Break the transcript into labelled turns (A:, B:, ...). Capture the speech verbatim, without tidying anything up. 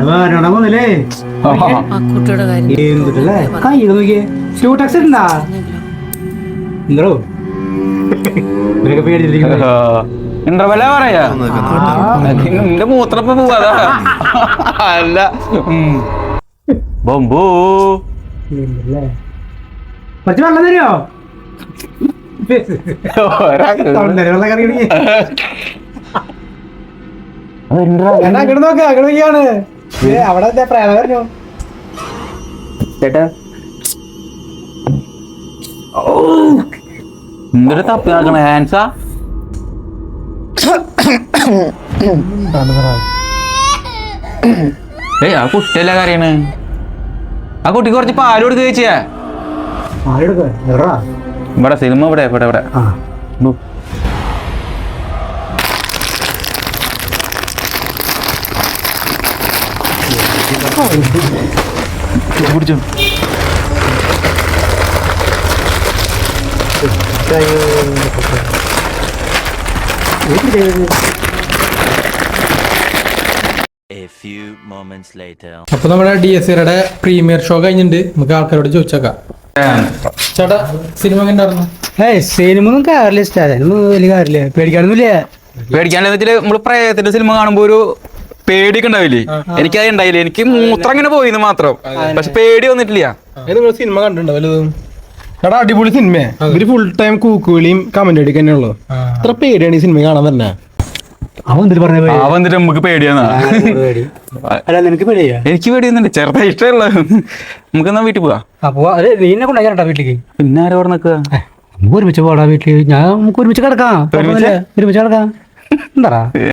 A: വേണമല്ലേ
B: കുട്ടിയുടെ കാര്യം
A: എന്തിട്ടല്ലേ കൈ നോക്കിയേ സ്റ്റൂ ടാക്സ് ഉണ്ടാ എന്തോ ഇവരൊക്കെ പേടിച്ചിരിക്കുന്നു
C: ഇന്റർവെല്ല പറയാ നിന്റെ മൂത്രപ്പ പോവാതാ അല്ല ബൊമ്പൂ
A: കുറച്ച് വെള്ളം തരുമോ വെള്ളം കറി അങ്ങോട്ട് നോക്ക അങ്ങോട്ടാണ് അവിടെ പ്രേമ പറഞ്ഞു
C: ചേട്ടാ എന്തൊരു തപ്പി നടക്കണ ഹാൻസാ ഏയ് ആ കുട്ടിയല്ല കറിയാണ് ആ കുട്ടിക്ക് കുറച്ച് പാല് കൊടുക്കുക ചേച്ചിയാ ഇവിടെ സിനിമ ഇവിടെ ഇവിടെ ഇവിടെ പിടിച്ചോ
D: അപ്പൊ നമ്മുടെ ഡി എസ് സിയുടെ പ്രീമിയർ ഷോ കഴിഞ്ഞിട്ടുണ്ട്. നമുക്ക് ആൾക്കാരോട് ചോദിച്ചേക്കാം. ചേട്ടാ സിനിമ ഉണ്ടായിരുന്നു?
A: ഏയ് സിനിമ ഒന്നും കാര്യമില്ല ഇഷ്ടം വലിയ കാര്യമില്ല പേടിക്കാനൊന്നുമില്ല.
C: പേടിക്കാനെന്ന് വെച്ചാല് നമ്മള് പ്രേതത്തിന്റെ സിനിമ കാണുമ്പോ ഒരു പേടിയൊക്കെ ഉണ്ടാവില്ലേ? എനിക്കത് ഉണ്ടായില്ലേ. എനിക്ക് മൂത്രം അങ്ങനെ പോയിന്ന് മാത്രം, പക്ഷെ പേടി വന്നിട്ടില്ല.
D: നിങ്ങൾ സിനിമ കണ്ടിട്ടുണ്ടോ വലുതും? ചേട്ടാ അടിപൊളി സിനിമ. ഇവര് ഫുൾ ടൈം കൂക്കുവിളിയും കമന്റ് അടിക്കുക തന്നെയുള്ളൂ. അത്ര പേടിയാണ് ഈ സിനിമ കാണാൻ തന്നെ.
A: അവൻ എന്തിട്ട് പറഞ്ഞ
C: അവൻ എന്നിട്ട് നമുക്ക് പേടിയാന്നാ?
A: നിനക്ക് പേടിയാ?
C: എനിക്ക് പേടിയൊന്നുണ്ട്, ചെറുതായി ഇഷ്ടമുള്ള. നമുക്ക് എന്നാ വീട്ടിൽ പോവാ.
A: അപ്പൊ അതെ നീ എന്നെ കൊണ്ടാ വീട്ടിലേക്ക്.
C: പിന്നെ ആരോ നിക്കുക?
A: ഒരുമിച്ച് പോടാ വീട്ടില്. ഞാൻ നമുക്ക് ഒരുമിച്ച് കിടക്കാം. ഒരുമിച്ച് കിടക്കാം എന്താ